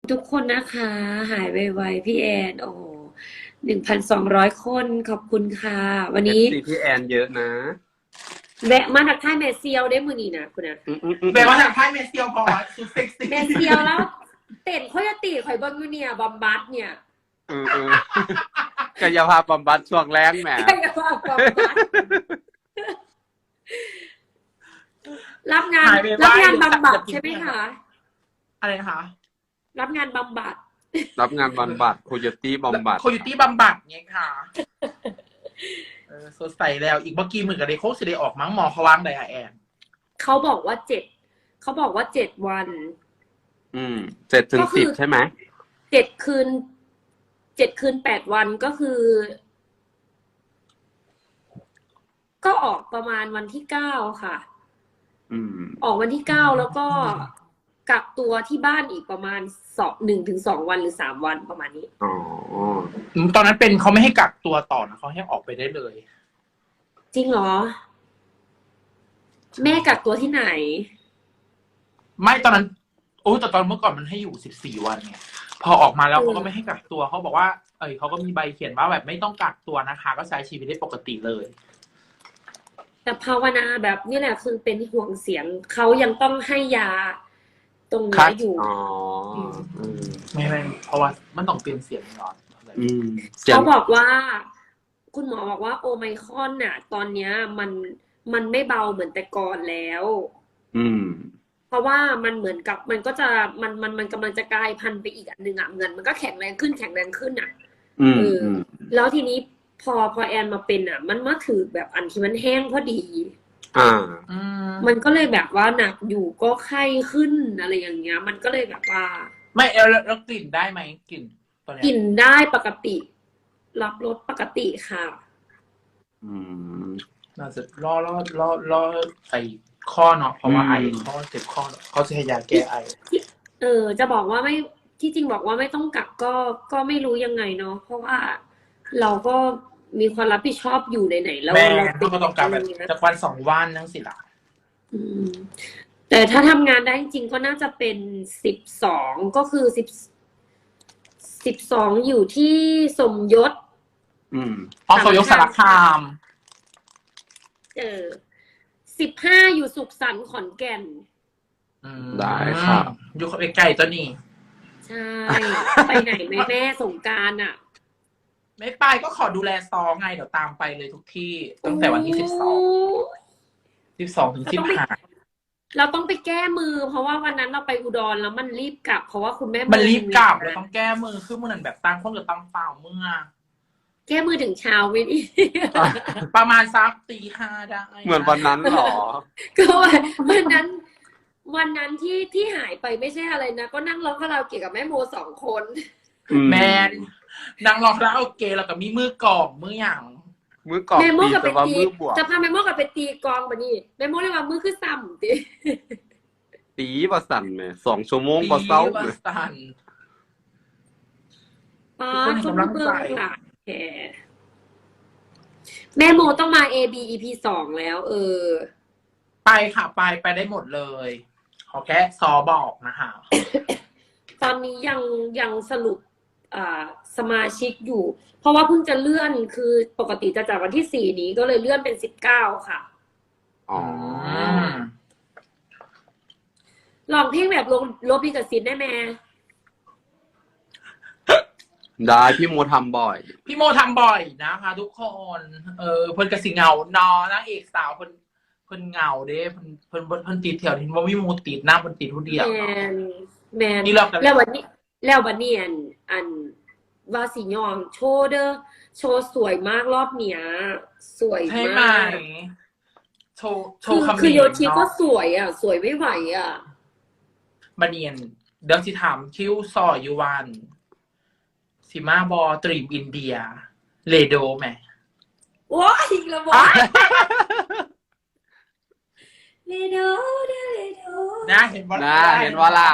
ทุกคนนะคะหายไวๆพี่แอนโอ้1,200 คนขอบคุณค่ะวันนี้ FC พี่แอนเยอะนะแวะมาทักทายแม่เซียวได้มือนี้นะคุณนะแปลว่าทางไพ่เมสเซียวพอสุดเซ็กซี่แม่เซียวแล้วเต้นโคโยตีข่อยเบิ้งอยู่เนี่ยบอมบัสเนี่ยกายภาพบำบัดช่วงแรงแหมใช่ค่ะบอมบัสรับงานบำบัดใช่ไหมคะอะไรนะคะรับงานบำบัดรับงานบำบัดโคโยตี้บำบัดโคโยตี้บำบัดไงค่ะสดใสแล้วอีกเมื่อกี้มือกับเด็กโคกสิได้ออกมั้งหมอเขาวางไดอะแอนเขาบอกว่า7 วัน 7 ถึง 10ใช่ไหม 7 คืน8 วันก็คือ ก็ออกประมาณวันที่9ค่ะออกวันที่9แล้วก็กักตัวที่บ้านอีกประมาณ1 ถึง 2 วันหรือ3 วันประมาณนี้อ๋อตอนนั้นเป็นเขาไม่ให้กักตัวต่อนะเขาให้ออกไปได้เลยจริงเหรอแม่กักตัวที่ไหนไม่ตอนนั้นแต่ตอนเมื่อก่อนมันให้อยู่14 วันไงพอออกมาแล้วเขาก็ไม่ให้กักตัวเขาบอกว่าเขาก็มีใบเขียนว่าแบบไม่ต้องกักตัวนะคะ ก็ใช้ชีวิตได้ปกติเลยแต่ภาวนาแบบนี่แหละคือเป็นห่วงเสียงเขายังต้องให้ยาตรงนี้อยู่ไม่เพราะว่ามันต้องเปลี่ยนเสียงก่อนเขาบอกว่าคุณหมอบอกว่าโอไมครอนน่ะตอนเนี้ยมันไม่เบาเหมือนแต่ก่อนแล้วเพราะว่ามันเหมือนกับมันก็จะมันกำลังจะกลายพันธุ์ไปอีกอันหนึ่งอ่ะเงินมันก็แข็งแรงขึ้นอ่ะแล้วทีนี้พอแอนมาเป็นอ่ะมันมาถือแบบอันที่มันแห้งพอดีมันก็เลยแบบว่าหนักอยู่ก็ไข้ขึ้นอะไรอย่างเงี้ยมันก็เลยแบบว่าไม่แล้วกลิ่นได้ไหมกลิ่นตอนนี้กลิ่นได้ปกติรับรสปกติค่ะน่าจะรอใส่ข้อเนาะเพราะว่าไอข้อเจ็บข้อเขาจะให้ยาแก้ไอจะบอกว่าไม่ที่จริงบอกว่าไม่ต้องกักก็ไม่รู้ยังไงเนาะเพราะว่าเราก็มีความรับผิดชอบอยู่ไหนๆแล้วเราก็ต้องกักแบบจากวัน2 วันนั่งสิล่ะแต่ถ้าทำงานได้จริงก็น่าจะเป็น12ก็คือ12อยู่ที่สมยศสมยศสารคาม 15อยู่สุขสันต์ขอนแก่นได้ครับอยู่ใกล้ๆตัวนี้ใช่ไปไหนแม่สงกรานต์อ่ะไม่ไปก็ขอดูแลซอไงเดี๋ยวตามไปเลยทุกที่ตั้งแต่วันที่12ถึง15 เราต้องไปแก้มือเพราะว่าวันนั้นเราไปอุดรแล้วมันรีบกลับเพราะว่าคุณแม่มันรีบกลับเราต้องแก้มือคือมันแบบตั้งคนกับตั้งเปล่าเมื่อแก้มือถึงเช้าไม่ดีประมาณสักตี 5ได้เหมือนวันนั้นหรอก็วันนั้นที่หายไปไม่ใช่อะไรนะก็นั่งร้องคาราโอเกะกับแม่โม2 คนแมนนางร้องคาราโอเกะแล้วก็มีมือกองมืออย่างมือกองแม่โมกับไปตีจะพาแม่โมกับไปตีกองปะนี่แม่โมเรียกว่ามือคือซ้ำตีประสันแม่2 ชั่วโมงประเศร้าเลยคนเบิ่งค่ะแม่โมต้องมา AB EP 2แล้วไปค่ะไปได้หมดเลยขอแค่ซอบอกนะคะตอนนี้ยังสรุปสมาชิกอยู่เพราะว่าเพิ่งจะเลื่อนคือปกติจะจากวันที่4นี้ก็เลยเลื่อนเป็น19ค่ะลองเพลงแบบลบลิขสิทธิ์ได้ไหมได้พี่โมทำบ่อยนะคะทุกคนเพิ่นกระสิเงานอนางเอกสาวเพิ่นเงาเด้เพิ่นติดแถวที่ว่ามีมูติดหน้าเพิ่นติดผู้เดียวแมนแล้ววันนี้อันว่าสิยองโชว์เด้อโชว์สวยมากรอบเนี้ยสวยมากโชว์คำคือโยชิก็สวยอ่ะสวยไม่ไหวอ่ะบัดเนียนเดี๋ยวสิถามคิวซออยู่วันสิมาบอตรีมอินเดียเลโดแม่ว้ายอีกแล้วว้ายเลโดนะเห็นว่าล่ะ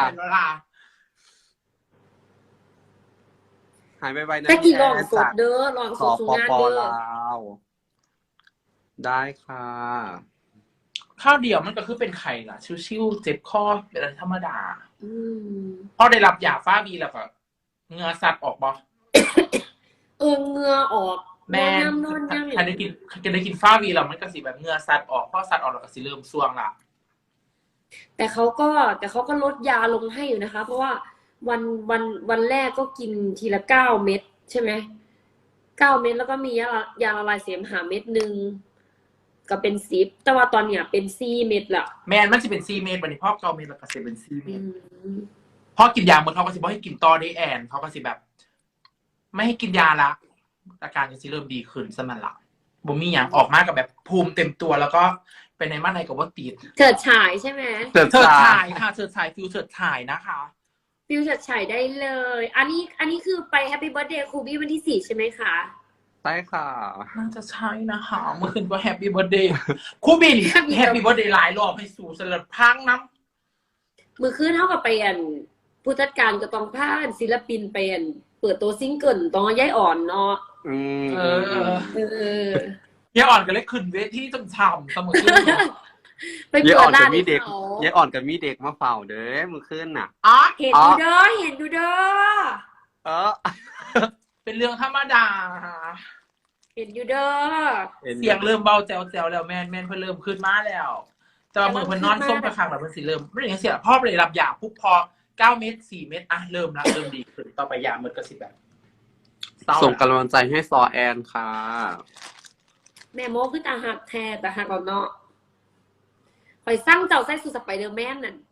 หายไปนะแต่กี่ลองสดเด้อลองสดสุงานเด้อได้ค่ะข้าวเดียวมันก็คือเป็นไข่ล่ะชิวๆเจ็บคอเป็นอะไรธรรมดาอืมพอได้รับยาฟ้าบีแล้วก็เหงือสัตว์ออกบ่เหงื่อออกแมนนอนย่ำใครได้กินฟ้าบีแล้วมันก็สิแบบเหงือสัตว์ออกพอสัตว์ออกแล้วก็สิเริ่มส่วงละแต่เขาก็ลดยาลงให้อยู่นะคะ เพราะว่าวันแรกก็กินทีละ9 เม็ดใช่ไหม9 เม็ดแล้วก็มียาละลายเสมหะเม็ดหนึ่งก็เป็น10แต่ว่าตอนเนี้ยเป็น4 เม็ดละแมนมันจะเป็นซีเมตรบัดนี้พ่อเกาเมตรแล้วก็สิเป็นซีเมอืตรมพ่อกินยาเหมือนเขาก็สิบอกให้กินต่อได้แอนเขาก็สิแบบ ไม่ให้กินยาละอาการก็สิเริ่มดีขึ้นซะมันละบ่มีหยังออกมากับแบบภูมิเต็มตัวแล้วก็ไปในมาในกับว่าติดเฉิดฉายใช่ไหมเติบเฉิดตาฉายค่ะเฉิดฉายฟิวเฉิดฉายนะคะฟิวเฉิดฉายได้เลย อันนี้คือไปแฮปปี้เบิร์ธเดย์ครูบี้วันที่4ใช่ไหมคะใช่ค่ะน่าจะใช่นะคะเมื่อคืนก็แฮปปี้เบิร์ดเดย์ครูบินแฮปปี้เบิร์ดเดย์หลายรอบให้สู่สลัดพังน้ำมือคืนเท่ากับไปผู้จัดการก็ต้องพาศิลปินไปเปิดตัวซิงเกิลต้องย้ายอ่อนเนาะอืมเออเออยายอ่อนก็เลยขึ้นเวทีจำช่ำเสมอขึ้นไปยายเปิอ่อดนร้ากับนมีให้เด็กเขายายอ่อนกับมีเด็กมาเฝ้าเด้อมือขึ้นน่ะอ๋อเห็นดูเด้อเห็นดูเด้อเออเป็นเรื่องธรรมดาเห็นอยู่เด้อเสียงเริ่มเบาแจวแล้วแม่นเพิ่นเริ่มขึ้นมาแล้วแต่ว่ามือเพิ่นนอนส้มกระคังแล้วเพิ่นสิเริ่มไม่ได้ยังเสียพ่อไปรับยาปุ๊บพอ9 เม็ด4 เม็ดอ่ะเริ่มดีขึ้นต่อไปยามันก็สิแบบเศร้าส่งกำลังใจให้ซอแอนค่ะแม่โมคือตาหักแท้ตาหักเอาเนาะคอยสร้างเจ้าใส่สูทสไปเดอร์แมนนั่น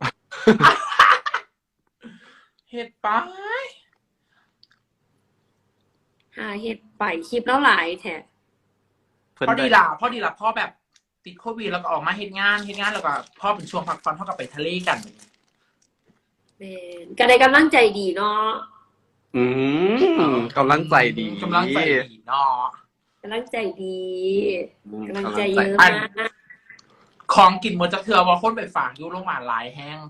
เฮ็ดไปหาเฮ็ดไปคลิปแล้วหลายแท้พอดีล่ะพ่อแบบติดโควิดแล้วก็ออกมาเฮ็ดงานแล้วก็พ่อเป็นช่วงพักผ่อนเท่ากับไปทะเลกันแม่นก็ได้กำลังใจดีเนาะอืมกำลังใจดีกำลังใจดีเนาะกำลังใจดีอืมกำลังใจเยอะอันมากของกินหมดจะเถื่อว่าคนไปฝากอยู่โรงพยาบาลหลายแห้ง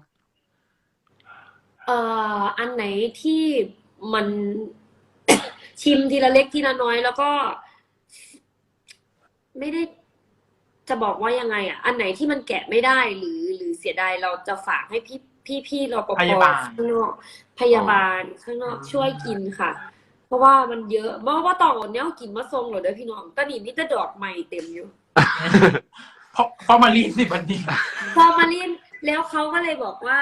อันไหนที่มัน ชิมทีละเล็กทีละน้อยแล้วก็ ไม่ได้จะบอกว่ายังไงอ่ะ อันไหนที่มันแกะไม่ได้หรือเสียดายเราจะฝากให้พี่รปภพยาบาลข้างนอกพยาบาลข้างนอกช่วยกินค่ะ เพราะว่ามันเยอะว่าต่อเนี้ยกินมาทรงเหรอเด้อพี่น้องตอนนี้มีแต่ดอกใหม่เต็มอยู่เพราะมารีนสิบันนี้พอมาเล่นแล้วเขาก็เลยบอกว่า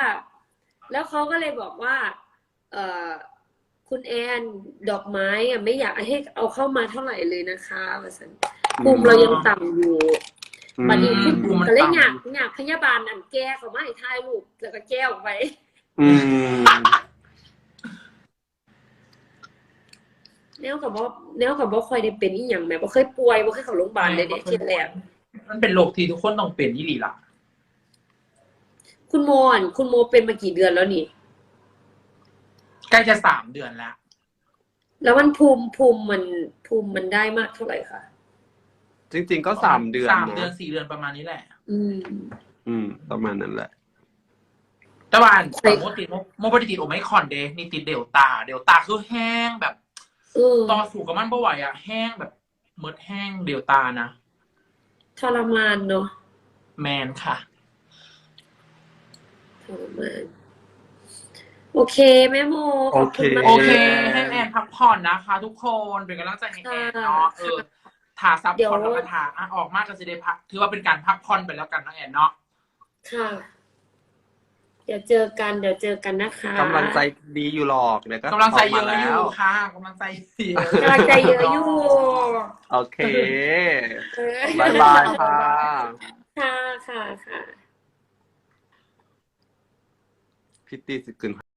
เอ่อคุณแอนดอกไม้อะไม่อยากให้เอาเข้ามาเท่าไหร่เลยนะคะว่าซั่นภูมิเรายังต่ำอยู่อืมบัดนี้คุณภูมิมันก็เลยต่ำอยากพยาบาลอันแก้เขามาให้ถ่ายรูปแล้วก็แก้ออกไปอืมแนวกับว่าค่อยได้เป็นอีหยังแม่บ่เคยป่วยบ่เคยเข้าโรงพยาบาลเลยเด้เที่ยแรกมันเป็นโรคที่ทุกคนต้องเป็นยี่หลีล่ะคุณโมเป็นมากี่เดือนแล้วนี่ใกล้จะ3 เดือนแล้วแล้วมันภูมิมันได้มากเท่าไหร่คะจริงๆก็3 เดือน 3 เดือนนะ 4 เดือนประมาณนี้แหละอืมประมาณนั้นแหละแต่ว่าใช่โมบติดโอไมครอนเดนี่ติดเดลต้าคือแห้งแบบ ต่อสู้กับมันบ่ไหวอะแห้งแบบเมิดแห้งเดลต้านะทรมานเนาะแมนค่ะทรมานโอเคแม่โมขอบคุณมากโอเค ให้แอนพักผ่อนนะคะ ทุกคนเป็นกำลังใจให้แอนเนาะถ่าซับผ่อนแล้วก็ถ่าออกมากก็จะได้พักถือว่าเป็นการพักผ่อนไปแล้วกันนะแอนเนาะค่ะ เดี๋ยวเจอกันนะคะกำลังใจดีอยู่หรอกเดี๋ยวก็กำลังใจเยมาอะอแล้ยู่วค่ะกำลังใจเสียกำลังใจเยอะอยู่โอเคเออบายบายค่ะค่ะพี่ตีสิกึน